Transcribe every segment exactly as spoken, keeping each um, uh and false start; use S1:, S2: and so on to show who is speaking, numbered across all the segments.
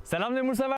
S1: Selam Lemur sever.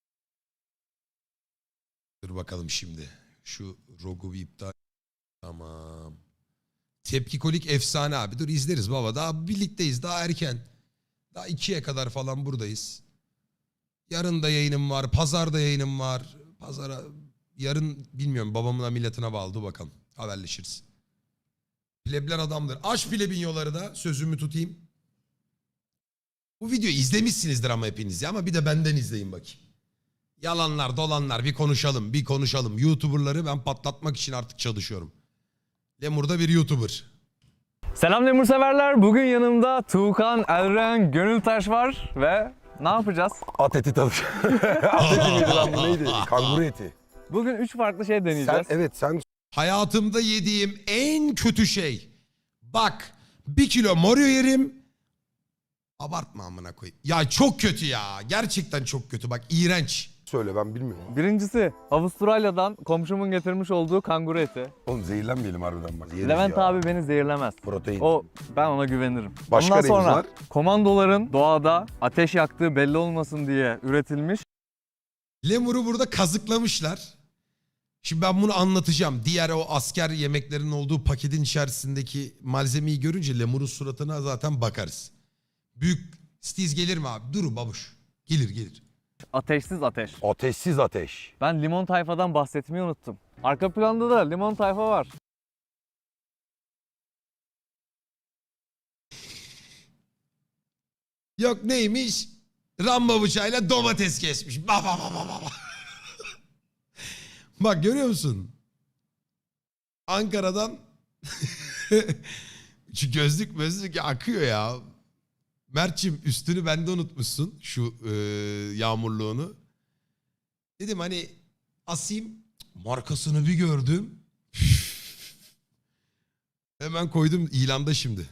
S2: Dur bakalım şimdi. Şu Rogu bir iptal. Tamam. Tepkikolik efsane abi. Dur izleriz baba. Daha birlikteyiz. Daha erken. Daha ikiye kadar falan buradayız. Yarın da yayınım var. Pazar da yayınım var. Pazara yarın bilmiyorum. Babamın milletine bağlı. Dur bakalım. Haberleşiriz. Plebler adamdır. Aç plebinyoları da sözümü tutayım. Bu videoyu izlemişsinizdir ama hepiniz ya. Ama bir de benden izleyin bakayım. Yalanlar dolanlar bir konuşalım bir konuşalım. YouTuber'ları ben patlatmak için artık çalışıyorum. Lemur da bir YouTuber.
S1: Selam Lemur severler. Bugün yanımda Tuğkan, Elren, Gönültaş var ve ne yapacağız?
S3: At eti tadı. At eti miydi lan bu neydi? Kanguru eti.
S1: Bugün üç farklı şey deneyeceğiz.
S3: Sen, evet sen
S2: Hayatımda yediğim en kötü şey. Bak bir kilo Moryo yerim. Abartma amına koyayım. Ya çok kötü ya. Gerçekten çok kötü. Bak iğrenç.
S3: söyle ben bilmiyorum.
S1: Birincisi Avustralya'dan komşumun getirmiş olduğu kanguru eti.
S3: Oğlum zehirlenmeyelim harbiden bak. Yeriz
S1: Levent
S3: ya.
S1: abi beni zehirlemez.
S3: Protein.
S1: O ben ona güvenirim.
S3: Başka
S1: Ondan
S3: neyimiz
S1: sonra
S3: var?
S1: komandoların doğada ateş yaktığı belli olmasın diye üretilmiş
S2: Lemur'u burada kazıklamışlar. Şimdi ben bunu anlatacağım. Diğer o asker yemeklerinin olduğu paketin içerisindeki malzemeyi görünce Lemur'un suratına zaten bakarız. Büyük stiz gelir mi abi? Dur babuş. Gelir gelir.
S1: ateşsiz ateş.
S3: Ateşsiz ateş.
S1: Ben limon tayfadan bahsetmeyi unuttum. Arka planda da limon tayfa var.
S2: Yok neymiş? Rambo bıçağıyla domates kesmiş. Bak bak bak bak bak. Bak görüyor musun? Ankara'dan şu gözlük gözlük akıyor ya. Mert'cim üstünü bende unutmuşsun şu e, yağmurluğunu. Dedim hani asayım, markasını bir gördüm. Hemen koydum ilanda şimdi.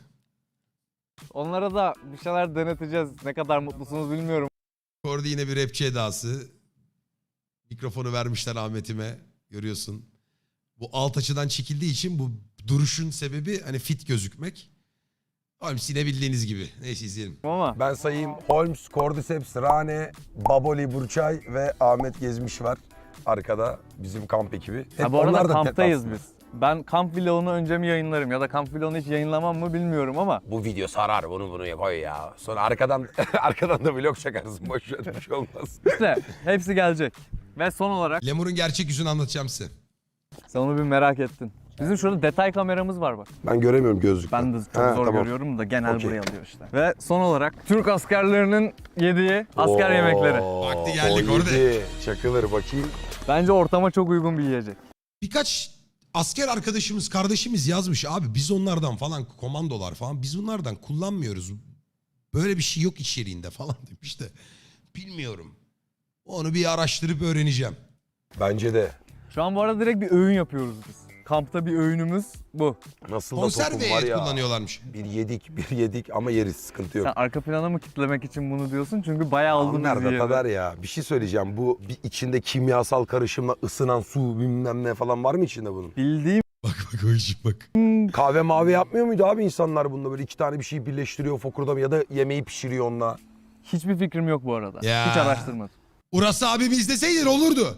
S1: Onlara da bir şeyler deneteceğiz. Ne kadar mutlusunuz bilmiyorum.
S2: Orada yine bir rapçi edası. Mikrofonu vermişler Ahmet'ime. Görüyorsun. Bu alt açıdan çekildiği için bu duruşun sebebi hani fit gözükmek. Holmes yine bildiğiniz gibi. Neyse izleyelim.
S1: Ama
S3: Ben sayayım. Holmes, Cordyceps, Rane, Baboli, Burçay ve Ahmet Gezmiş var. Arkada bizim kamp ekibi. Hep
S1: ha, bu arada
S3: onlar da
S1: kamptayız
S3: tet
S1: biz. Ben kamp vlogunu önce mi yayınlarım ya da kamp vlogunu hiç yayınlamam mı bilmiyorum ama
S3: Bu video sarar bunu bunu koy ya. Sonra arkadan arkadan da vlog çakarsın. Boş ver bir şey olmaz.
S1: işte hepsi gelecek. Ve son olarak
S2: Lemur'un gerçek yüzünü anlatacağım size.
S1: sen onu bir merak ettin. Bizim şurada detay kameramız var bak.
S3: Ben göremiyorum gözlükten.
S1: Ben de çok
S3: Ha,
S1: zor
S3: tamam.
S1: görüyorum da genel
S3: Okey.
S1: buraya alıyor işte. Ve son olarak Türk askerlerinin yediği asker
S3: Oo,
S1: yemekleri.
S2: Vakti geldik
S3: o
S2: orada.
S3: yedi. Çakılır bakayım.
S1: Bence ortama çok uygun bir yiyecek.
S2: Birkaç asker arkadaşımız, kardeşimiz yazmış. Abi biz onlardan falan, komandolar falan biz onlardan kullanmıyoruz. Böyle bir şey yok içeriğinde falan demiş de. Bilmiyorum. Onu bir araştırıp öğreneceğim.
S3: Bence de.
S1: Şu an bu arada direkt bir öğün yapıyoruz biz. Kampta bir öğünümüz bu.
S3: Nasıl da
S2: Konserve
S3: tokum var
S2: et
S3: ya.
S2: kullanıyorlarmış.
S3: Bir yedik, bir yedik ama yeriz, sıkıntı yok.
S1: Sen arka plana mı kitlemek için bunu diyorsun? Çünkü bayağı oldu
S3: Onlar
S1: bizi
S3: da
S1: yedi.
S3: tadar ya. Bir şey söyleyeceğim. Bu bir içinde kimyasal karışımla ısınan su bilmem ne falan var mı içinde bunun?
S1: Bildiğim
S2: Bak bak o işi bak.
S3: Kahve mavi yapmıyor muydu abi insanlar bununla? Böyle iki tane bir şey birleştiriyor fokurdama ya da yemeği pişiriyor onunla.
S1: hiçbir fikrim yok bu arada.
S2: Ya.
S1: Hiç araştırmadım.
S2: Urası abimi izleseydin olurdu.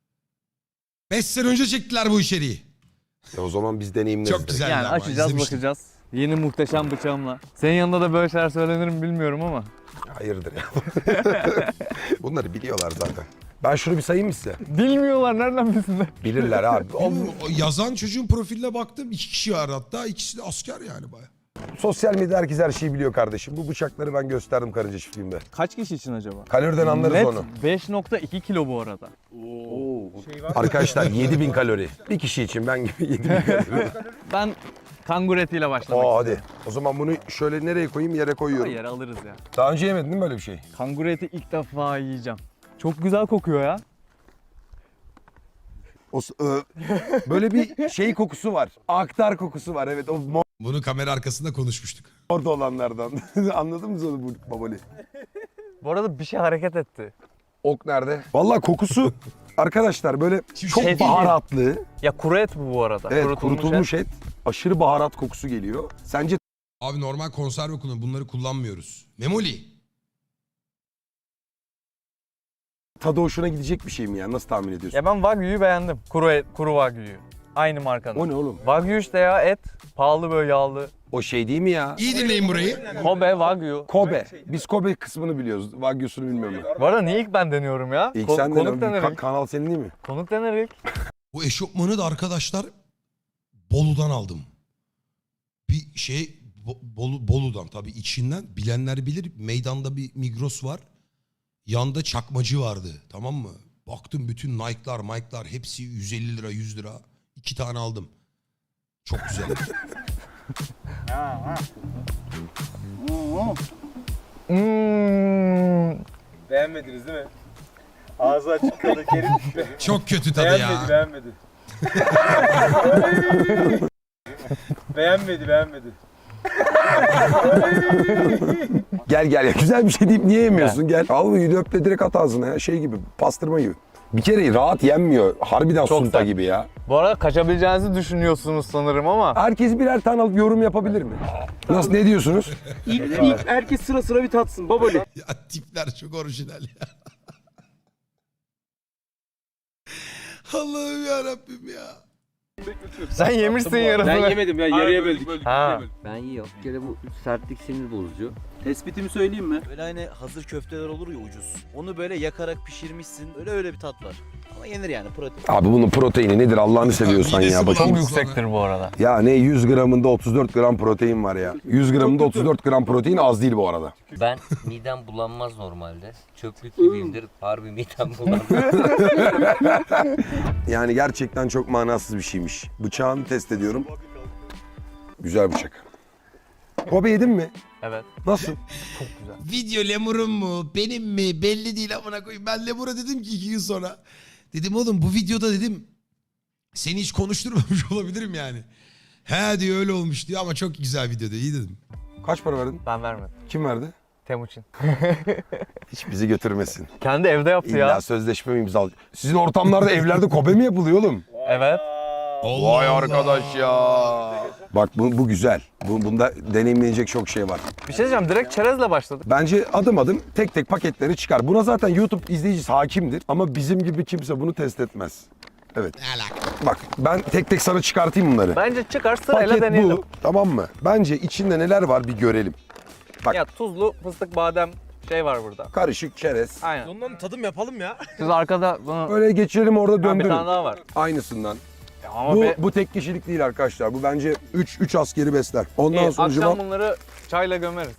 S2: Beş sene önce çektiler bu içeriği.
S3: E o zaman biz deneyimleriz.
S2: Çok
S3: direkt.
S2: güzel.
S1: Yani
S2: ama,
S1: açacağız
S2: izlemiştim.
S1: bakacağız. Yeni muhteşem bıçağımla. Senin yanında da böyle şeyler söylenir mi bilmiyorum ama.
S3: Hayırdır ya. Bunları biliyorlar zaten. Ben şunu bir sayayım mı size?
S1: Bilmiyorlar nereden bilsinler.
S3: Bilirler abi. O,
S2: O, o yazan çocuğun profiline baktım. İki kişi var hatta. İkisi de asker yani baya.
S3: sosyal medya herkes her şeyi biliyor kardeşim. Bu bıçakları ben gösterdim karınca çiftliğimde.
S1: Kaç kişi için acaba?
S3: Kaloriden anlarız
S1: Net
S3: onu.
S1: beş nokta iki kilo bu arada.
S3: Arkadaşlar yedi bin kalori. Bir kişi için ben gibi yedi bin kalori.
S1: Ben kanguru etiyle başlamak
S3: Oo
S1: istiyorum.
S3: hadi. O zaman bunu şöyle nereye koyayım? Yere koyuyorum.
S1: Yere alırız ya.
S3: Daha önce yemedin değil mi böyle bir şey?
S1: Kanguru eti ilk defa yiyeceğim. Çok güzel kokuyor ya.
S3: O, s- ö, böyle bir şey kokusu var. Aktar kokusu var. Evet o
S2: Bunu kamera arkasında konuşmuştuk.
S3: orada olanlardan. Anladın mı onu bu babali?
S1: Bu arada bir şey hareket etti.
S3: Ok nerede? Vallahi kokusu arkadaşlar böyle
S2: Şimdi
S3: çok
S1: şey-
S3: baharatlı.
S1: Ya kuru et bu bu arada.
S3: Evet
S1: Kurutulmuş
S3: kurutulmuş
S1: et.
S3: et. Aşırı baharat kokusu geliyor. Sence
S2: Abi normal konserve kullan. Bunları kullanmıyoruz. Memoli.
S3: tadı hoşuna gidecek bir şey mi ya? Nasıl tahmin ediyorsun?
S1: Ya ben Wagyu'yu beğendim. Kuru et, kuru Wagyu'yu. Aynı markanın.
S3: O ne oğlum?
S1: Wagyu işte ya, et. Pahalı böyle, yağlı.
S3: O şey değil mi ya?
S2: İyi dinleyin burayı.
S1: Kobe, Wagyu.
S3: Kobe. Biz Kobe kısmını biliyoruz. Wagyu'sunu bilmiyorum ben.
S1: Bu arada niye ilk ben deniyorum ya?
S3: İlk
S1: Ko-
S3: sen
S1: konuk
S3: de
S1: denir
S3: ka-
S1: ilk.
S3: kanal senin değil mi?
S1: Konuk denir ilk.
S2: Bu eşofmanı da arkadaşlar Bolu'dan aldım. Bir şey Bo- Bolu, Bolu'dan tabii içinden bilenler bilir. Meydanda bir Migros var. Yanda çakmacı vardı, tamam mı? Baktım bütün Nike'lar, Mike'lar hepsi yüz elli lira, yüz lira. İki tane aldım. Çok güzel.
S1: Hmm.
S4: Beğenmediniz değil mi? Ağzı açık kaldı, geri düşüyor.
S2: Çok kötü tadı
S4: Beğenmedi,
S2: ya.
S4: beğenmedi. beğenmedi, beğenmedi.
S3: Gel gel ya. Güzel bir şey deyip niye yemiyorsun? Gel. Al bu öp de direkt at ağzına ya. Şey gibi, pastırma gibi. Bir kere rahat yenmiyor. Harbiden
S1: Çok
S3: sunta
S1: sert.
S3: gibi ya.
S1: Bu arada kaçabileceğinizi düşünüyorsunuz sanırım ama.
S3: Herkes birer tane alıp yorum yapabilir mi? Nasıl, ne diyorsunuz?
S4: İlk, ilk herkes sıra sıra bir tatsın. Babali.
S2: Ya tipler çok orijinal ya. Allah'ım yarabbim ya.
S1: Sen yemişsin yarısını.
S4: Ben yemedim ya, yarıya böldük.
S1: Ha.
S5: Ben yiyorum. Bir kere bu sertlik sinir bozucu.
S4: Tespitimi söyleyeyim mi?
S6: Böyle hani hazır köfteler olur ya ucuz. Onu böyle yakarak pişirmişsin. Öyle öyle bir tat var. Ama yenir yani protein.
S3: Abi bunun proteini nedir Allah'ını seviyorsan
S2: midesi
S3: ya. Bak,
S1: Çok
S2: bulandı.
S1: yüksektir bu arada.
S3: ya ne yüz gramında otuz dört gram protein var ya. yüz gramında otuz dört gram protein az değil bu arada.
S5: Ben midem bulanmaz normalde. Çöplük gibiyimdir. Harbi midem bulanmaz.
S3: Yani gerçekten çok manasız bir şeymiş. Bıçağını test ediyorum. Güzel bıçak. Kobe yedin mi?
S1: Evet.
S3: Nasıl?
S2: Video lemurun mu benim mi belli değil amına koyayım. Ben lemura dedim ki iki gün sonra. Dedim oğlum bu videoda dedim seni hiç konuşturmamış olabilirim yani. He diyor öyle olmuş diyor ama çok güzel video diyor. İyi dedim.
S3: Kaç para verdin?
S1: Ben vermedim.
S3: Kim verdi?
S1: Temuçin.
S3: Hiç bizi götürmesin.
S1: Kendi evde yaptı
S3: İlla
S1: ya.
S3: sözleşme mi imzal? Sizin ortamlarda evlerde Kobe mi yapılıyor oğlum?
S1: Evet.
S2: Allah
S3: Vay
S2: Allah.
S3: arkadaş ya. Bak bu, bu güzel. Bu, bunda deneyimlenecek çok şey var.
S1: Bir şey diyeceğim, direkt çerezle başladık.
S3: Bence adım adım tek tek paketleri çıkar. Buna zaten YouTube izleyicisi hakimdir. Ama bizim gibi kimse bunu test etmez. Evet.
S2: Ne alaka?
S3: Bak ben tek tek sana çıkartayım bunları.
S1: Bence çıkar sırayla
S3: Paket
S1: deneyelim.
S3: bu. Tamam mı? Bence içinde neler var bir görelim. Bak.
S1: Ya tuzlu fıstık badem şey var burada.
S3: Karışık çerez.
S1: Aynen.
S6: Ondan tadım yapalım ya.
S1: Siz arkada bunu...
S3: Öyle geçirelim orada
S1: Ha, bir
S3: döndürün.
S1: tane daha var.
S3: Aynısından.
S1: Ya ama
S3: Bu,
S1: be-
S3: bu tek kişilik değil arkadaşlar. Bu bence üç üç askeri besler. Ondan
S1: İyi,
S3: sonra
S1: akşam bunları çayla gömeriz.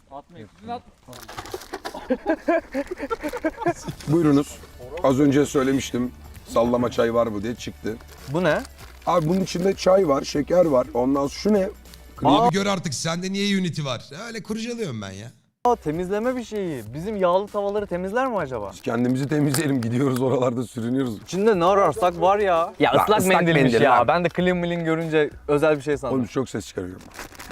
S3: buyurunuz. Az önce söylemiştim. Sallama çay var mı diye çıktı.
S1: Bu ne?
S3: Abi bunun içinde çay var, şeker var. Ondan sonra şu ne?
S2: Abi gör artık sende niye Unity var? Öyle kurcalıyorum ben ya.
S1: Aa, temizleme bir şeyi. Bizim yağlı tavaları temizler mi acaba?
S3: Biz kendimizi temizleyelim. Gidiyoruz oralarda sürünüyoruz.
S1: İçinde ne ararsak var ya. Ya
S3: Lan
S1: ıslak,
S3: ıslak
S1: mendilmiş
S3: mendil
S1: ya.
S3: lan.
S1: Ben de clean milin görünce özel bir şey sandım.
S3: Oğlum çok ses çıkarıyorum.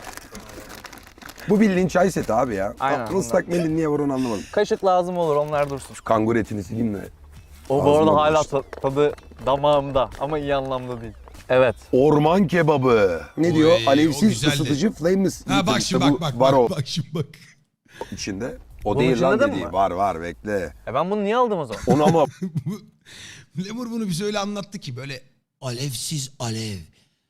S3: Bu bildiğin çay seti abi ya.
S1: Aynen,
S3: Aa, Islak mendil niye var onu anlamadım.
S1: Kaşık lazım olur, onlar dursun.
S3: Kangur etini sileyim de.
S1: O bu
S3: Ağzıma
S1: arada hala
S3: bulaştı.
S1: ta- tadı damağımda ama iyi anlamda değil. Evet.
S3: Orman kebabı. Ne
S2: Oy,
S3: diyor?
S2: o
S3: Alevsiz
S2: güzeldi.
S3: ısıtıcı flameless.
S2: Ha bak
S3: İşte
S2: şimdi
S3: bu
S2: bak bak
S3: var
S2: bak,
S3: o
S2: bak şimdi bak.
S3: içinde. O
S1: Bunun
S3: değil
S1: içinde
S3: lan
S1: de mi
S3: dediği.
S1: var?
S3: Var var bekle.
S1: E ben bunu niye aldım o zaman?
S3: Onu ama
S2: Bu- Lemur bunu bize öyle anlattı ki böyle alevsiz alev.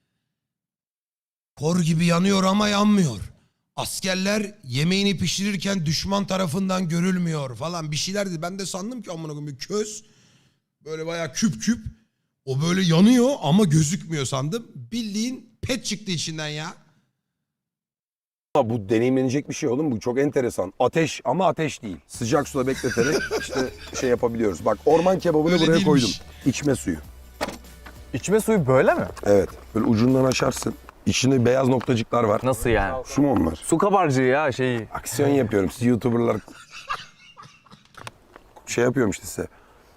S2: Kor gibi yanıyor ama yanmıyor. Askerler yemeğini pişirirken düşman tarafından görülmüyor falan bir şeyler dedi. Ben de sandım ki amına koyayım bir köz böyle bayağı küp küp o böyle yanıyor ama gözükmüyor sandım. Bildiğin pet çıktı içinden ya.
S3: bu deneyimlenecek bir şey oğlum. Bu çok enteresan. Ateş ama ateş değil. Sıcak suda bekleterek işte şey yapabiliyoruz. Bak orman kebabını
S2: Öyle
S3: buraya
S2: değilmiş.
S3: koydum. İçme suyu.
S1: İçme suyu böyle mi?
S3: Evet. Böyle ucundan açarsın. İçinde beyaz noktacıklar var.
S1: Nasıl yani?
S3: Su mu onlar?
S1: Su kabarcığı ya şeyi.
S3: Aksiyon yapıyorum. Siz YouTuber'lar şey yapıyorum işte size.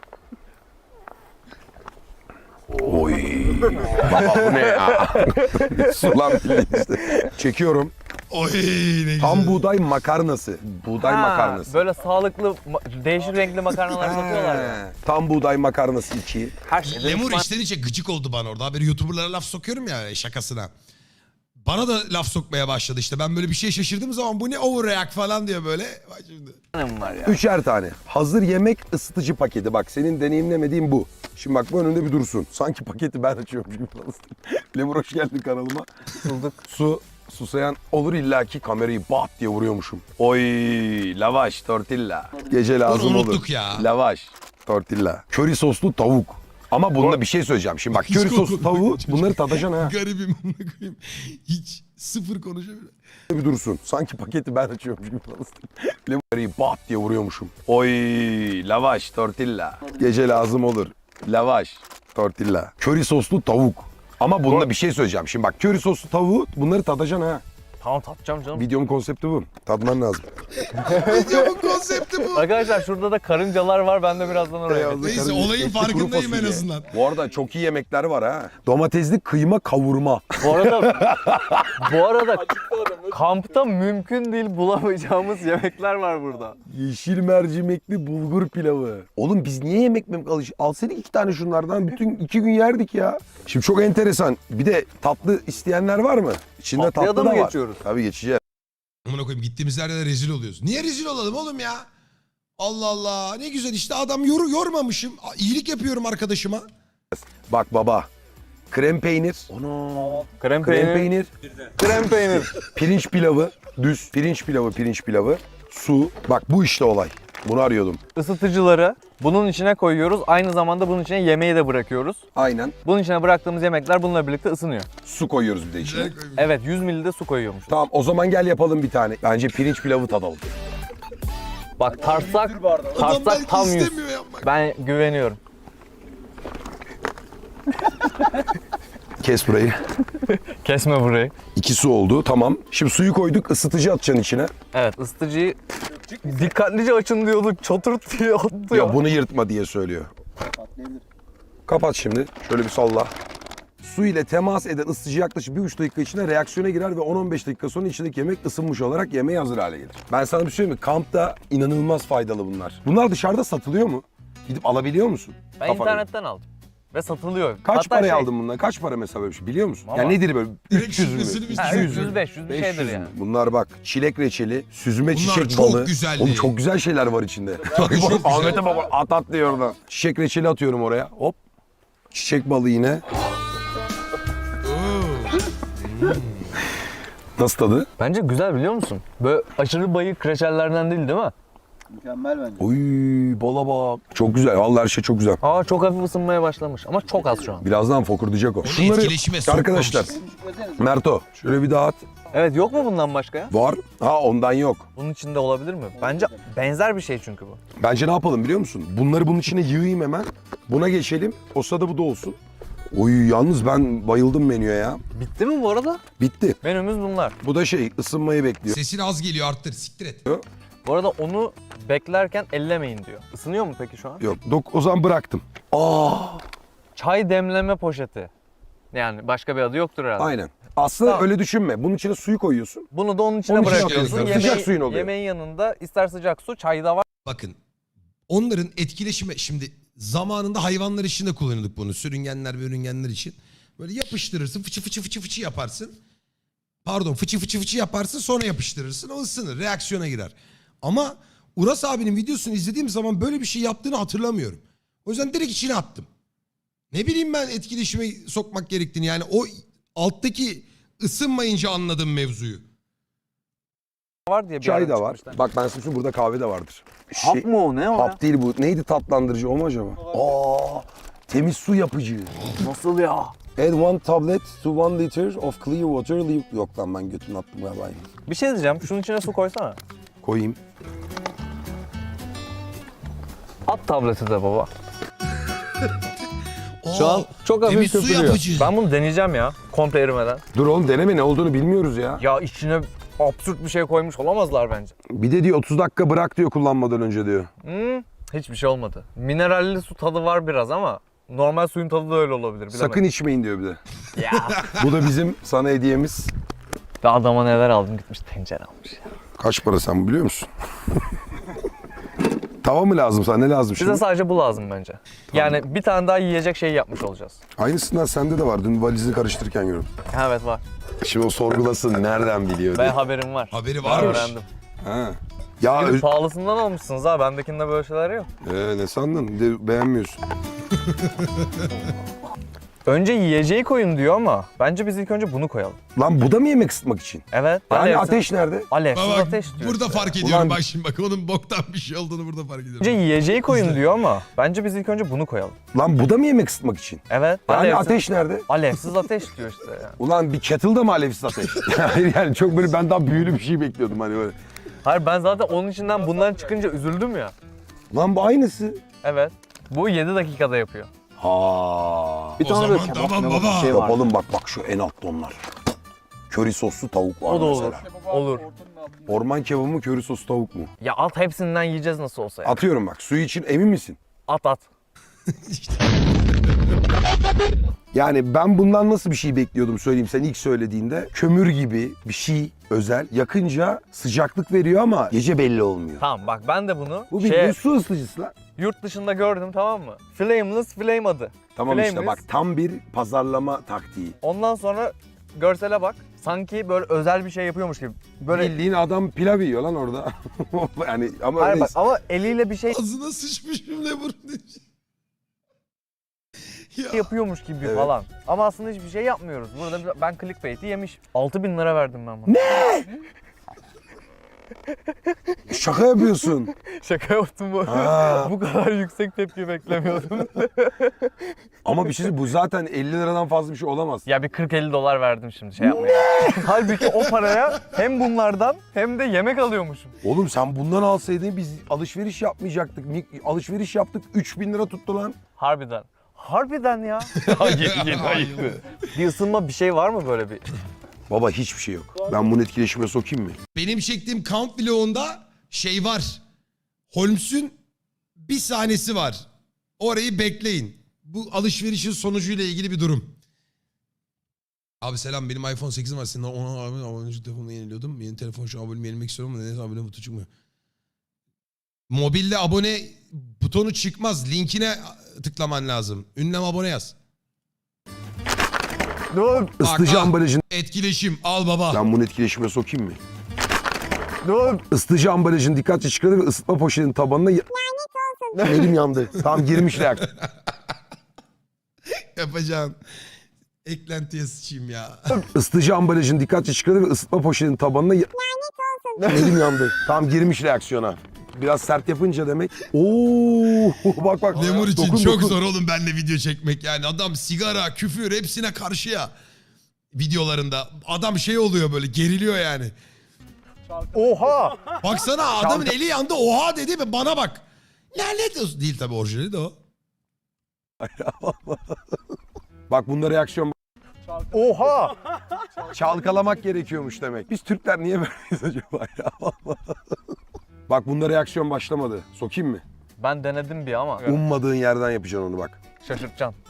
S3: Oy. Baba bu ne ya? Sulan bildiğin işte. Çekiyorum.
S2: Oy ne güzel.
S3: Tam buğday makarnası. Buğday
S1: Ha,
S3: makarnası.
S1: Böyle sağlıklı, ma- değişik renkli makarnalar satıyorlar ya.
S3: He. Tam buğday makarnası iki.
S1: Her şeyde
S2: Lemur
S1: düşman-
S2: içten içe gıcık oldu bana orada. Haberi YouTuber'lara laf sokuyorum ya şakasına. bana da laf sokmaya başladı işte. Ben böyle bir şey şaşırdığım zaman bu ne overreact falan diyor böyle. Bak şimdi.
S1: Ne var ya?
S3: Üçer tane. Hazır yemek ısıtıcı paketi. Bak senin deneyimlemediğin bu. Şimdi bak bu önünde bir dursun. Sanki paketi ben açıyormuş gibi falan. Lemur hoş geldin kanalıma.
S1: Bulduk.
S3: Su, susayan olur illaki kamerayı bat diye vuruyormuşum. Oy, lavaş, tortilla. Gece lazım
S2: Onu
S3: olur.
S2: unuttuk ya.
S3: Lavaş, tortilla. Köri soslu tavuk. Ama bununla bir şey söyleyeceğim. Şimdi bak
S2: Hiç
S3: köri soslu
S2: kokmadı
S3: tavuğu
S2: çocuk.
S3: bunları tadacaksın ha.
S2: Garibim amına koyayım. Hiç sıfır konuşamıyorum.
S3: Bir dursun. Sanki paketi ben açıyormuş gibi falan. Lemurayı bat diye vuruyormuşum. Oy, lavaş, tortilla. Gece lazım olur. Lavaş, tortilla. Köri soslu tavuk. Ama bununla bir şey söyleyeceğim. Şimdi bak köri soslu tavuğu bunları tadacaksın ha.
S1: Tamam tatacağım canım.
S3: Videomun konsepti bu. Tadman lazım.
S2: Videomun konsepti bu.
S1: Arkadaşlar şurada da karıncalar var. Ben de birazdan oraya
S3: Beyazlı
S1: geçeyim.
S2: Neyse
S3: karınca,
S2: olayın
S3: etli kuru
S2: farkındayım en
S3: fasulye.
S2: azından.
S3: Bu arada çok iyi yemekler var ha. Domatesli kıyma kavurma.
S1: Bu arada bu arada kampta mümkün değil bulamayacağımız yemekler var burada.
S3: Yeşil mercimekli bulgur pilavı. Oğlum biz niye yemek mi alış? Alsaydık iki tane şunlardan bütün iki gün yerdik ya. Şimdi çok enteresan. Bir de tatlı isteyenler var mı? İçinde
S1: Tatlıya
S3: tatlı
S1: da
S3: da
S1: mı
S3: var.
S1: geçiyoruz?
S3: Tabii geçeceğiz.
S2: Amına koyayım gittiğimiz yerde de rezil oluyoruz. Niye rezil olalım oğlum ya? Allah Allah ne güzel işte adam yor yormamışım. İyilik yapıyorum arkadaşıma.
S3: Bak baba. Krem peynir.
S1: Krem
S3: Krem
S1: peynir.
S3: peynir.
S1: Krem peynir.
S3: Pirinç pilavı. Düz. Pirinç pilavı, pirinç pilavı. Su. Bak bu işte olay. Bunu arıyordum.
S1: Isıtıcıları bunun içine koyuyoruz. Aynı zamanda bunun içine yemeği de bırakıyoruz.
S3: Aynen.
S1: Bunun içine bıraktığımız yemekler bununla birlikte ısınıyor.
S3: Su koyuyoruz bir de içine.
S2: Güzel koymuş.
S1: Evet yüz mililitre de su koyuyormuş.
S3: Tamam o zaman gel yapalım bir tane. Bence pirinç pilavı tadalım.
S1: Bak tartsak,
S2: Adam
S1: tartsak
S2: belki
S1: tam yüz.
S2: istemiyor yapmak.
S1: Ben güveniyorum.
S3: Kes burayı.
S1: Kesme burayı.
S3: İki su oldu tamam. Şimdi suyu koyduk ısıtıcı atacaksın içine.
S1: Evet ısıtıcıyı dikkatlice açın diyorduk. Çatırt diye attı ya.
S3: Ya bunu yırtma diye söylüyor. Kapat şimdi. Şöyle bir salla. Su ile temas eden ısıtıcı yaklaşık bir buçuk dakika içinde reaksiyona girer ve on on beş dakika sonra içindeki yemek ısınmış olarak yemeğe hazır hale gelir. Ben sana bir şey söyleyeyim mi? Kampta inanılmaz faydalı bunlar. Bunlar dışarıda satılıyor mu? Gidip alabiliyor musun?
S1: Ben
S3: Kafana
S1: internetten aldım. Ve satılıyor.
S3: Kaç
S1: Hatta
S3: paraya
S1: şey,
S3: aldın bunları? Kaç para mesela böyle bir şey biliyor musun?
S1: Ama-
S3: Ya nedir böyle?
S2: Direkt
S3: üç yüz mü?
S2: şifresini biz-
S1: Ha,
S3: iki yüz
S1: üç yüz
S3: mü?
S1: beş yüz bir
S3: beş yüz
S1: şeydir
S3: mü?
S1: yani.
S3: Bunlar bak çilek reçeli, süzme
S2: Bunlar
S3: çiçek
S2: çok
S3: balı.
S2: güzeldi.
S3: Oğlum çok güzel şeyler var içinde.
S2: çok güzel.
S3: Ahmet'e baba at at diyor orada. Çiçek reçeli atıyorum oraya. Hop. Çiçek balı yine. Nasıl tadı?
S1: Bence güzel biliyor musun? Böyle aşırı bayık reçellerden değil değil mi?
S4: Mükemmel bence.
S3: Oy bala bak. Çok güzel. Vallahi her şey çok güzel.
S1: Aa çok hafif ısınmaya başlamış ama çok az şu an.
S3: Birazdan fokurdayacak o.
S2: etkileşime
S3: arkadaşlar.
S2: sokmamışız.
S3: Merto şöyle bir daha at.
S1: Evet yok mu bundan başka ya?
S3: Var. Ha ondan yok.
S1: Bunun içinde olabilir mi? Bence benzer bir şey çünkü bu.
S3: Bence ne yapalım biliyor musun? Bunları bunun içine yığayım hemen. Buna geçelim. O sırada bu da olsun. Oy yalnız ben bayıldım menüye ya.
S1: Bitti mi bu arada?
S3: Bitti.
S1: Menümüz bunlar.
S3: Bu da şey ısınmayı bekliyor.
S2: Sesin az geliyor arttır siktir et.
S1: Bu arada onu beklerken ellemeyin diyor. Isınıyor mu peki şu an?
S3: Yok dok o zaman bıraktım. Aa
S1: Çay demleme poşeti. Yani başka bir adı yoktur herhalde.
S3: aynen. Aslında
S1: Tamam.
S3: öyle düşünme. Bunun içine suyu koyuyorsun.
S1: Bunu da onun içine
S3: Onun içine
S1: bırakıyorsun.
S2: atıyorsun.
S3: Sıcak suyun oluyor.
S1: Yemeğin yanında ister sıcak su, çay da var.
S2: Bakın onların etkileşimi şimdi zamanında hayvanlar için de kullanıyorduk bunu. Sürüngenler ve ürüngenler için. Böyle yapıştırırsın fıçı fıçı fıçı fıçı yaparsın. Pardon fıçı fıçı fıçı yaparsın sonra yapıştırırsın o ısınır reaksiyona girer. Ama Uras abinin videosunu izlediğim zaman böyle bir şey yaptığını hatırlamıyorum. O yüzden direkt içine attım. Ne bileyim ben etkileşime sokmak gerektiğini yani o alttaki ısınmayınca anladım mevzuyu.
S1: var diye bir
S3: Çay
S1: yerden
S3: da var.
S1: çıkmışlar.
S3: Bak ben size söyleyeyim, burada kahve de vardır.
S6: Hap
S3: Şey-
S6: mı o ne o ya?
S3: Hap değil bu. Neydi tatlandırıcı o mu acaba? Aa, temiz su yapıcı.
S6: Nasıl ya?
S3: Add one tablet to one liter of clear water. Leave... Yok lan ben götümü attım galiba.
S1: Bir şey diyeceğim. Şunun içine su koysana.
S3: Koyayım.
S1: At tableti de baba. Şu
S2: Aa,
S1: an çok hafif
S2: temiz su
S1: köpürüyor.
S2: yapıcı.
S1: Ben bunu deneyeceğim ya. Komple erimeden.
S3: Dur oğlum deneme ne olduğunu bilmiyoruz ya.
S1: Ya içine absürt bir şey koymuş olamazlar bence.
S3: Bir de diyor otuz dakika bırak diyor kullanmadan önce diyor.
S1: Hmm, hiçbir şey olmadı. Mineralli su tadı var biraz ama normal suyun tadı da öyle olabilir. Bilemedim.
S3: Sakın içmeyin diyor bir de.
S1: Ya.
S3: Bu da bizim sana hediyemiz.
S1: Ve adama neler aldım gitmiş tencere almış ya.
S3: Kaç para sen biliyor musun? Tava mı lazım sana? Ne lazım
S1: Bize
S3: şimdi?
S1: sadece bu lazım bence. Yani bir tane daha yiyecek şey yapmış olacağız.
S3: Aynısından sende de var. Dün valizi karıştırırken gördüm.
S1: Evet var.
S3: Şimdi o sorgulasın nereden biliyor
S1: Ben
S3: diye.
S1: haberim var.
S2: Haberi varmış.
S1: Öğrendim.
S3: Ha. Ya
S1: Gidip
S3: öz-
S1: pahalısından almışsınız ha. Bendekinde böyle şeyler yok.
S3: Ee, ne sandın? De, beğenmiyorsun.
S1: Önce yiyeceği koyun diyor ama bence biz ilk önce bunu koyalım.
S3: Lan bu da mı yemek ısıtmak için?
S1: Evet.
S3: Yani
S1: alevsiz-
S3: ateş nerede?
S1: Alevsiz
S2: Bak,
S1: ateş diyor.
S2: burada
S1: işte.
S2: fark ediyorum
S3: Ulan-
S2: bak şimdi bak onun boktan bir şey olduğunu burada fark ediyorum.
S1: Önce yiyeceği koyun
S2: İzle.
S1: diyor ama bence biz ilk önce bunu koyalım.
S3: Lan bu da mı yemek ısıtmak için?
S1: Evet.
S3: Yani
S1: alevsiz,
S3: ateş nerede?
S1: alevsiz ateş diyor işte yani.
S3: Ulan bir kettle'da mı alevsiz ateş? Hayır yani çok böyle ben daha büyülü bir şey bekliyordum hani böyle.
S1: Hayır ben zaten onun içinden bundan çıkınca üzüldüm ya.
S3: Lan bu aynısı.
S1: Evet. Bu yedi dakikada yapıyor.
S3: Ha.
S4: Bir
S2: O
S4: tane
S2: zaman
S4: böyle kebap
S2: tamam
S4: mebap
S2: baba.
S4: bir şey var.
S3: Yapalım bak bak şu en altta onlar. Köri soslu tavuk var
S1: O da olur.
S3: mesela.
S1: Olur.
S3: Orman kebabı mı köri soslu tavuk mu?
S1: Ya at hepsinden yiyeceğiz nasıl olsa ya.
S3: Atıyorum bak suyu için emin misin?
S1: At at.
S3: Yani ben bundan nasıl bir şey bekliyordum söyleyeyim sen ilk söylediğinde. Kömür gibi bir şey özel. Yakınca sıcaklık veriyor ama gece belli olmuyor.
S1: Tamam bak ben de bunu
S3: Bu
S1: şey,
S3: bildiğin su ısıtıcısı lan.
S1: yurt dışında gördüm tamam mı? Flameless flame adı.
S3: Tamam işte
S1: Flameless.
S3: bak tam bir pazarlama taktiği.
S1: Ondan sonra görsele bak. Sanki böyle özel bir şey yapıyormuş gibi. Böyle
S3: Bildiğin adam pilav yiyor lan orada. yani ama
S1: Hayır
S3: öyle
S1: bak ama eliyle bir şey
S2: Ağzına sıçmışım ne burun. Ya.
S1: yapıyormuş gibi
S3: Evet.
S1: falan. Ama aslında hiçbir şey yapmıyoruz. Burada bir- ben clickbait'i yemişim. altı bin lira verdim ben buna.
S3: şaka yapıyorsun.
S1: Şaka yaptım bu.
S3: Ha.
S1: Bu kadar yüksek tepki beklemiyordum.
S3: Ama bir şey söyleyeyim, bu zaten elli liradan fazla bir şey olamaz.
S1: Ya bir kırk elli dolar verdim şimdi şey yapmaya. Halbuki o paraya hem bunlardan hem de yemek alıyormuşum.
S3: Oğlum sen bundan alsaydın biz alışveriş yapmayacaktık. Ni- Alışveriş yaptık üç bin lira tuttu lan.
S1: Harbiden. Harbiden ya. yedi, yedi ayıktı. Bir ısınma bir şey var mı böyle bir?
S3: Baba hiçbir şey yok. Ben bunu etkileşime sokayım mı?
S2: Benim çektiğim Count vlogunda şey var. Holmes'un bir sahnesi var. Orayı bekleyin. Bu alışverişin sonucuyla ilgili bir durum. Abi selam benim iPhone sekizim var. Senin ona abi abonelik telefonunu yeniliyordum. Yeni telefon şu an abonemi yenilemek istiyorum ama neyse abone butonu çıkmıyor. Mobilde abone butonu çıkmaz. Linkine tıklaman lazım. Ünlem abone yaz.
S1: Dur,
S3: Isıtıcı
S2: bak.
S3: ambalajın...
S2: Etkileşim al baba.
S3: Ben bunu etkileşime sokayım mı?
S1: dur.
S3: Isıtıcı ambalajın dikkatli çıkardı ve ısıtma poşetinin tabanına... Ya- Elim yandı. Tam girmiş reaktör.
S2: Yapacağım. Eklentiye sıçayım ya.
S3: Isıtıcı ambalajın dikkatli çıkardı ve ısıtma poşetinin tabanına... Ya- Elim yandı. Tam girmiş reaksiyona. Biraz sert yapınca demek. Oo bak bak.
S2: Lemur için
S3: Dokun,
S2: çok
S3: dokun.
S2: zor oğlum benimle video çekmek yani. Adam sigara, küfür hepsine karşı ya. Videolarında. Adam şey oluyor böyle geriliyor yani.
S1: Oha!
S2: Baksana adamın eli yandı oha dedi ve bana bak. Lanet olsun. Değil tabii orijinali de o.
S3: Bak bunda reaksiyon...
S1: Oha!
S3: Çalkalamak gerekiyormuş demek. Biz Türkler niye böyleyiz acaba ya? Bak bunda reaksiyon başlamadı. Sokayım mı?
S1: Ben denedim bir ama
S3: Ummadığın yerden yapacaksın onu bak.
S1: şaşırtacaksın.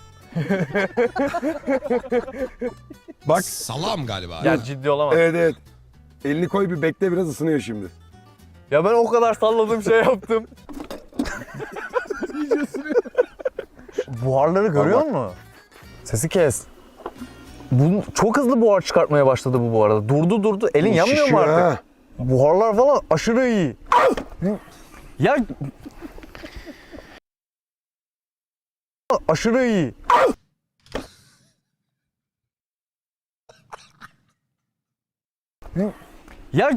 S3: Bak.
S2: Salam galiba.
S1: Ya ciddi olamaz.
S3: Evet evet. Elini koy bir bekle biraz ısınıyor şimdi.
S1: Ya ben o kadar salladım şey yaptım. Buharları görüyor
S3: Bak,
S1: musun? Sesi kes. Bu çok hızlı buhar çıkartmaya başladı bu bu arada. Durdu durdu. Elin yanmıyor mu
S3: Şişiyor
S1: artık?
S3: ha.
S1: Buharlar falan aşırı iyi. Ya aşırı iyi. Ya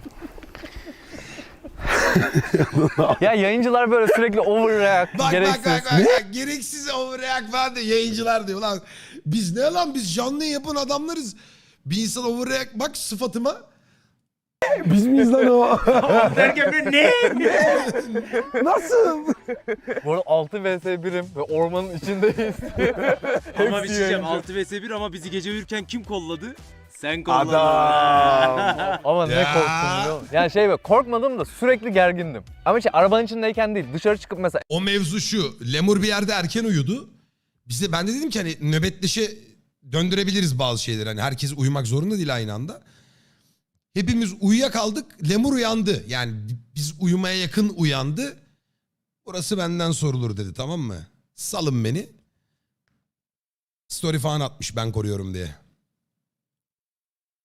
S1: ya yayıncılar böyle sürekli overreact,
S2: Bak
S1: gereksiz.
S2: bak bak bak, bak. Gereksiz overreact falan diyor. Yayıncılar diyor lan. Biz ne lan biz canlı yapan adamlarız. Bir insan overreact bak sıfatıma.
S3: Biz miyiz lan o?
S4: Derken ben ne?
S3: Nasıl?
S1: Bu arada altı vs birim ve ormanın içindeyiz.
S7: Ama bir şey diyeceğim.
S1: yayıncı.
S7: altı vs bir ama bizi gece uyurken kim kolladı? Sen kolladın.
S3: Adam.
S1: Ama ne
S2: Ya.
S1: korktum biliyor musun? Yani şey böyle korkmadım da sürekli gergindim. Ama şey arabanın içindeyken değil dışarı çıkıp mesela
S2: O mevzu şu. Lemur bir yerde erken uyudu. Bize ben de dedim ki hani nöbetleşe döndürebiliriz bazı şeyleri. Hani herkes uyumak zorunda değil aynı anda. Hepimiz uyuyakaldık. Lemur uyandı. Yani biz uyumaya yakın uyandı. Burası benden sorulur dedi tamam mı? Salın beni. Story falan atmış ben koruyorum diye.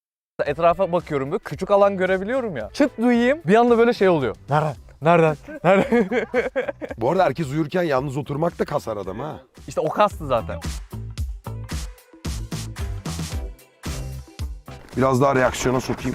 S1: Etrafa bakıyorum böyle küçük alan görebiliyorum ya. Çıt duyayım bir anda böyle şey oluyor. Nereden? Nereden? Nereden?
S3: Bu arada herkes uyurken yalnız oturmak da kasar adam ha.
S1: İşte o kastı zaten.
S3: Biraz daha reaksiyona sokayım.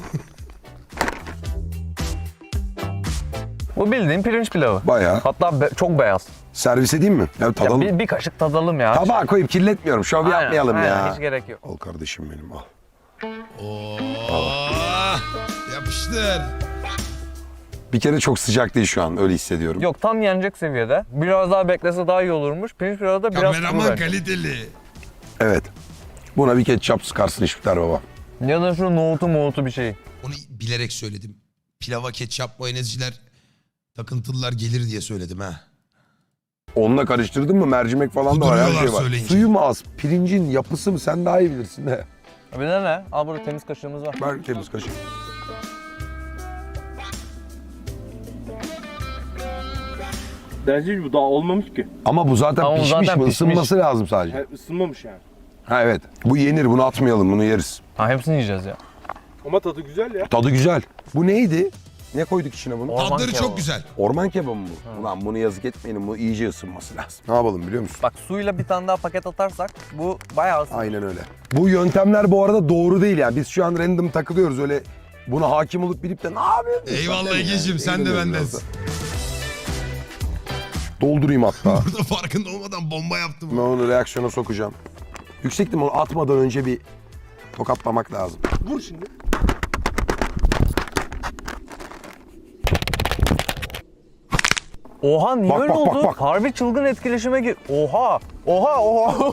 S1: Bu bildiğin pirinç pilavı.
S3: Bayağı.
S1: Hatta be- çok beyaz.
S3: Servis edeyim mi? Ya
S1: Ya
S3: tadalım.
S1: bir, bir kaşık tadalım ya.
S3: Tabağa koyup kirletmiyorum. Şov
S1: Aynen,
S3: yapmayalım
S1: aynen,
S3: ya.
S1: Hiç gerek yok.
S3: Al kardeşim benim al.
S2: Oo, yapıştır.
S3: Bir kere çok sıcak değil şu an. Öyle hissediyorum.
S1: Yok tam yenecek seviyede. Biraz daha beklese daha iyi olurmuş. Pirinç pilavı da biraz kuru
S2: Kameraman
S1: bence.
S2: kaliteli.
S3: Evet. Buna bir ketçap sıkarsın işbiter baba.
S1: Ya da şu nohutu mohutu bir şey.
S2: Onu bilerek söyledim. Pilava ketçap mayonezciler takıntılılar gelir diye söyledim ha.
S3: Onunla karıştırdın mı mercimek falan da var. Her şey
S2: Kuduruyorlar
S3: var.
S2: söyleyince.
S3: Suyu mu az? Pirincin yapısı mı? Sen daha iyi bilirsin de.
S1: Bir de ne? Al burada temiz kaşığımız var.
S3: Ver temiz kaşık.
S4: Bence bu daha olmamış ki.
S3: Ama bu zaten
S1: Ama bu
S3: pişmiş
S1: zaten
S3: mi?
S1: pişmiş.
S3: Isınması lazım sadece.
S4: Ha, ısınmamış yani.
S3: Ha evet. Bu yenir. Bunu atmayalım. Bunu yeriz.
S1: Ha hepsini yiyeceğiz ya.
S4: Ama tadı güzel ya.
S3: Tadı güzel. Bu neydi? Ne koyduk içine bunu?
S1: Orman
S2: Tadları
S1: kebabı.
S2: çok güzel.
S3: Orman kebabı mı bu? Ulan bunu yazık etmeyelim. Bu iyice ısınması lazım. Ne yapalım biliyor musun?
S1: Bak suyla bir tane daha paket atarsak bu bayağı ısınır.
S3: Aynen öyle. Bu yöntemler bu arada doğru değil yani. Biz şu an random takılıyoruz öyle buna hakim olup bilip de ne yapıyorsun?
S2: Eyvallah Ege'cim, sen de bendensin.
S3: Doldurayım hatta.
S2: Burada farkında olmadan bomba yaptım.
S3: Ben onu reaksiyona sokacağım. Yüksektim onu atmadan önce bir tokatlamak lazım.
S4: Vur şimdi.
S1: Oha niye
S3: Bak,
S1: öyle
S3: bak, bak,
S1: oldu?
S3: bak.
S1: Harbi çılgın etkileşime gir. Oha! Oha oha!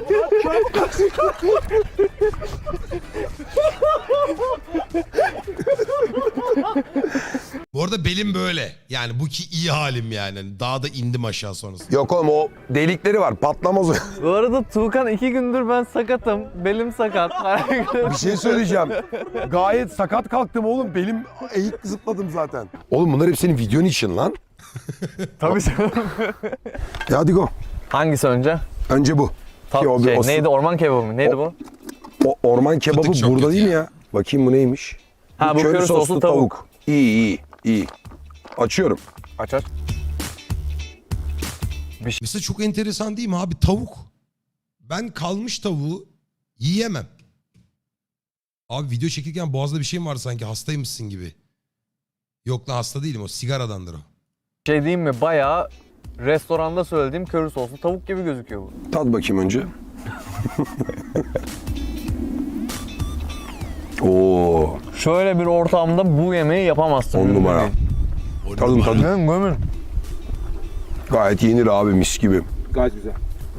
S2: Bu arada belim böyle. Yani bu ki iyi halim yani. Hani Daha da indim aşağı sonrasında.
S3: Yok oğlum o delikleri var patlamaz o.
S1: Bu arada Tuğkan iki gündür ben sakatım. Belim sakat.
S3: Bir şey söyleyeceğim. Gayet sakat kalktım oğlum. Belim eğik zıpladım zaten. Oğlum bunlar hep senin videon için lan.
S1: Tabii canım.
S3: Ya hadi go.
S1: Hangisi önce?
S3: Önce bu.
S1: Ta-
S3: Ki o bir-
S1: şey,
S3: o-
S1: neydi orman kebabı mı? Neydi
S3: O-
S1: bu?
S3: O orman kebabı
S2: Fıtık çok
S3: burada
S2: kötü
S3: değil mi
S2: ya.
S3: ya? Bakayım bu neymiş?
S1: Ha, bu köri soslu tavuk.
S3: İyi iyi iyi. Açıyorum.
S1: Aç aç.
S2: Mesela çok enteresan değil mi abi? Tavuk. Ben kalmış tavuğu yiyemem. Abi video çekirken boğazda bir şey mi var sanki? Hastaymışsın gibi. Yok lan hasta değilim, o sigaradandır o.
S1: Şey diyeyim mi? Bayağı restoranda söylediğim köri soslu tavuk gibi gözüküyor bu.
S3: Tat bakayım önce. Oo,
S1: Şöyle bir ortamda bu yemeği yapamazsın.
S3: on numara.
S2: O
S3: Tadın
S2: numara.
S3: tadın.
S1: Gömün gömün.
S3: Gayet yenir abi mis gibi.
S4: Gayet güzel.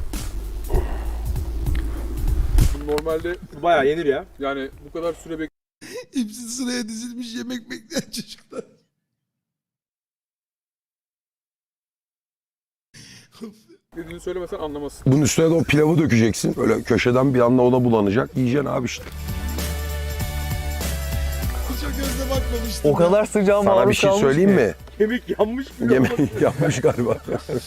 S4: Normalde bayağı yenir ya. Yani bu kadar süre
S2: Hepsi sıraya dizilmiş yemek bekleyen çocuklar.
S4: beklediğini söylemesen anlamazsın.
S3: Bunun üstüne de o pilavı dökeceksin. Böyle köşeden bir anda ona bulanacak. Yiyeceksin abi işte.
S2: Çok gözle bakmamıştım.
S1: O kadar sıcağa maruz
S3: Sana bir şey
S1: kalmış
S3: söyleyeyim
S1: ki.
S3: mi?
S4: Kemik yanmış mı?
S3: Yemek yapmış galiba.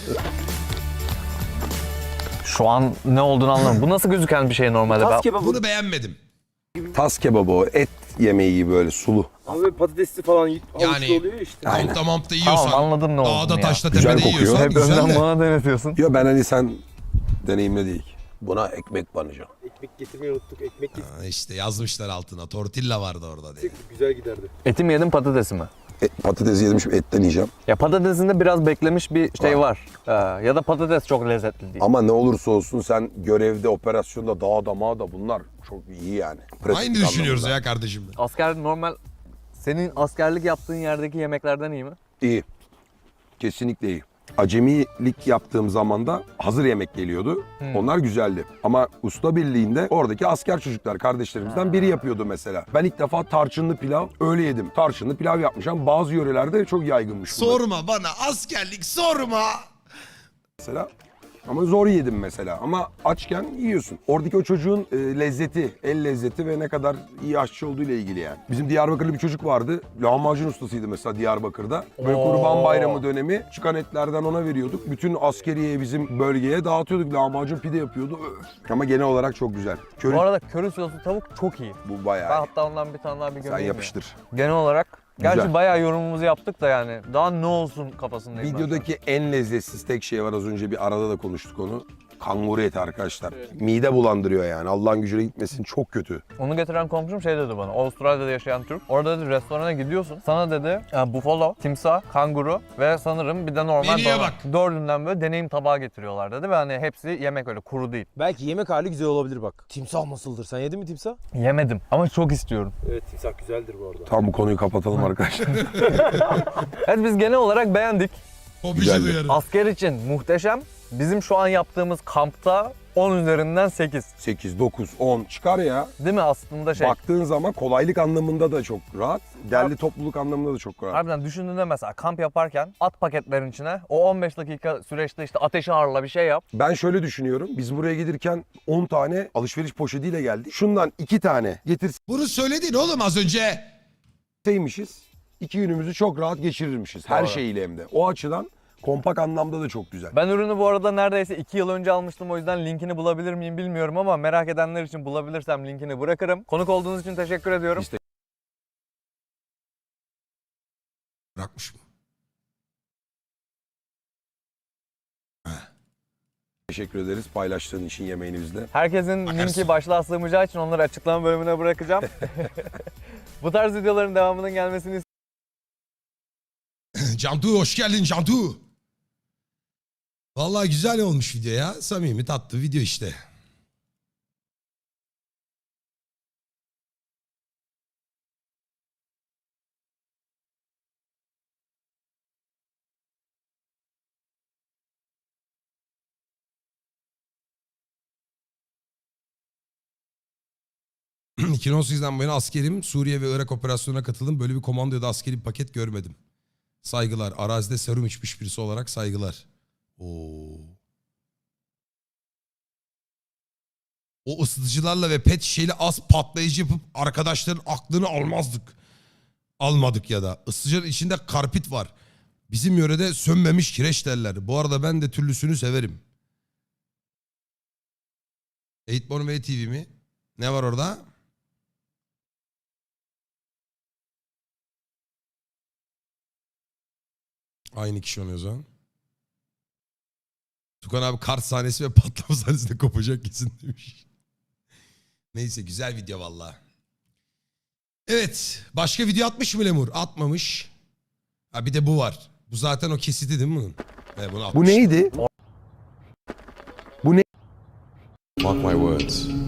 S1: Şu an ne olduğunu anlamadım. Bu nasıl gözüken bir şey normalde?
S6: Tas
S1: Ben...
S6: kebabı
S2: Bunu beğenmedim.
S3: Tas kebabı o. Et yemeği gibi böyle sulu.
S4: Abi patatesli falan
S2: Yani-
S4: havuçlu oluyor işte.
S3: Aynen.
S2: Tavukta mampta yiyorsan,
S1: Tamam anladım ne olduğunu
S2: dağda
S1: ya.
S2: taşta
S3: Güzel
S2: tepede
S3: kokuyor.
S2: yiyorsan
S1: Hep
S2: güzel
S1: önden
S2: de.
S1: bana denetiyorsun.
S3: Ya ben hani sen deneyimle değil. Buna ekmek banacağım.
S4: Ekmek getirmeyi unuttuk. Ekmek getirdik.
S2: Ha, İşte yazmışlar altına. Tortilla vardı orada diye.
S4: Güzel giderdi.
S1: Eti mi yedin patatesi mi?
S3: E, patates yedim şimdi etten yiyeceğim.
S1: Ya patatesinde biraz beklemiş bir şey var. Ee, ya da patates çok lezzetli değil.
S3: Ama ne olursa olsun sen görevde, operasyonda, dağda, mağda bunlar çok iyi yani. Pratik
S2: Aynı düşünüyoruz
S3: anlamda.
S2: ya kardeşim.
S1: Asker normal senin askerlik yaptığın yerdeki yemeklerden iyi mi?
S3: İyi. Kesinlikle iyi. Acemilik yaptığım zaman da hazır yemek geliyordu.
S1: Hmm.
S3: Onlar güzeldi. Ama usta birliğinde oradaki asker çocuklar kardeşlerimizden biri yapıyordu mesela. Ben ilk defa tarçınlı pilav öyle yedim. Tarçınlı pilav yapmış ama bazı yörelerde çok yaygınmış bunlar.
S2: Sorma bana askerlik sorma.
S3: Mesela Ama zor yedim mesela. Ama açken yiyorsun. Oradaki o çocuğun e, lezzeti, el lezzeti ve ne kadar iyi aşçı olduğu ile ilgili yani. Bizim Diyarbakırlı bir çocuk vardı. Lahmacun ustasıydı mesela Diyarbakır'da. Böyle
S1: Oo.
S3: Kurban Bayramı dönemi çıkan etlerden ona veriyorduk. Bütün askeriye bizim bölgeye dağıtıyorduk. Lahmacun pide yapıyordu. Öf. Ama genel olarak çok güzel. Köri
S1: Bu arada köri soslu tavuk çok iyi.
S3: bu
S1: Ben
S3: bayağı iyi.
S1: hatta ondan bir tane daha bir
S3: Sen
S1: gömeyim mi?
S3: yapıştır.
S1: Genel olarak gerçi
S3: Güzel.
S1: bayağı yorumumuzu yaptık da yani daha ne olsun kafasındayım ben şu an.
S3: Videodaki en lezzetsiz tek şey var. Az önce bir arada da konuştuk onu. Kanguru eti arkadaşlar. Mide bulandırıyor yani. Allah'ın gücüne gitmesin. Çok kötü.
S1: Onu getiren komşum şey dedi bana. Avustralya'da yaşayan Türk. Orada dedi restorana gidiyorsun. Sana dedi e, buffalo, timsah, kanguru ve sanırım bir de normal
S2: Menüye
S1: dana.
S2: bak.
S1: Dördünden böyle deneyim tabağı getiriyorlar dedi ve hani hepsi yemek öyle kuru değil.
S8: Belki yemek hali güzel olabilir bak. Timsah nasıldır? Sen yedin mi timsah?
S1: Yemedim ama çok istiyorum.
S4: Evet timsah güzeldir bu arada.
S3: Tam bu konuyu kapatalım arkadaşlar.
S1: Evet biz genel olarak beğendik.
S2: Hobici
S3: Güzeldi.
S2: duyarı.
S1: Asker için muhteşem. Bizim şu an yaptığımız kampta on üzerinden sekiz.
S3: sekiz, dokuz, on çıkar ya.
S1: Değil mi aslında şey?
S3: Baktığın zaman kolaylık anlamında da çok rahat. Derli topluluk anlamında da çok rahat.
S1: Harbiden düşündüğünde mesela kamp yaparken at paketlerin içine o on beş dakika süreçte işte ateşi harla bir şey yap.
S3: Ben şöyle düşünüyorum. Biz buraya gelirken on tane alışveriş poşetiyle geldik. Şundan iki tane
S2: Bunu söyledin oğlum az önce.
S3: getirseymişiz. iki günümüzü çok rahat geçirirmişiz. Her
S1: Doğru.
S3: şeyiyle hem de. O açıdan kompak anlamda da çok güzel.
S1: Ben ürünü bu arada neredeyse iki yıl önce almıştım. O yüzden linkini bulabilir miyim bilmiyorum ama merak edenler için bulabilirsem linkini bırakırım. Konuk olduğunuz için teşekkür ediyorum.
S3: İşte-
S2: Bırakmış mı?
S3: Teşekkür ederiz paylaştığın için yemeğini bizle.
S1: Herkesin
S2: Bakarsın.
S1: linki başlığa sığmayacağı için onları açıklama bölümüne bırakacağım. Bu tarz videoların devamının gelmesini
S2: Cantu hoş geldin Cantu. Vallahi güzel olmuş video ya. Samimi tatlı video işte. iki bin on sekizden bu yana askerim. Suriye ve Irak operasyonuna katıldım. Böyle bir komando ya da askeri bir paket görmedim. Saygılar. Arazide serum içmiş birisi olarak saygılar. Oo. O ısıtıcılarla ve pet şişeyle az patlayıcı yapıp arkadaşların aklını almazdık. Almadık ya da. Isıtıcının içinde karpit var. Bizim yörede sönmemiş kireç derler. Bu arada ben de türlüsünü severim. Eightborn V T V mi? Ne var orada? Aynı kişi oluyor o zaman. Tukan abi kart sahnesi ve patlama sahnesinde kopacak kesin demiş. Neyse güzel video valla. Evet. Başka video atmış mı Lemur? Atmamış. Ha bir de bu var. Bu zaten o kesiti değil mi bunun? Evet, bunu atmış.
S3: Bu neydi?
S9: Mark my words.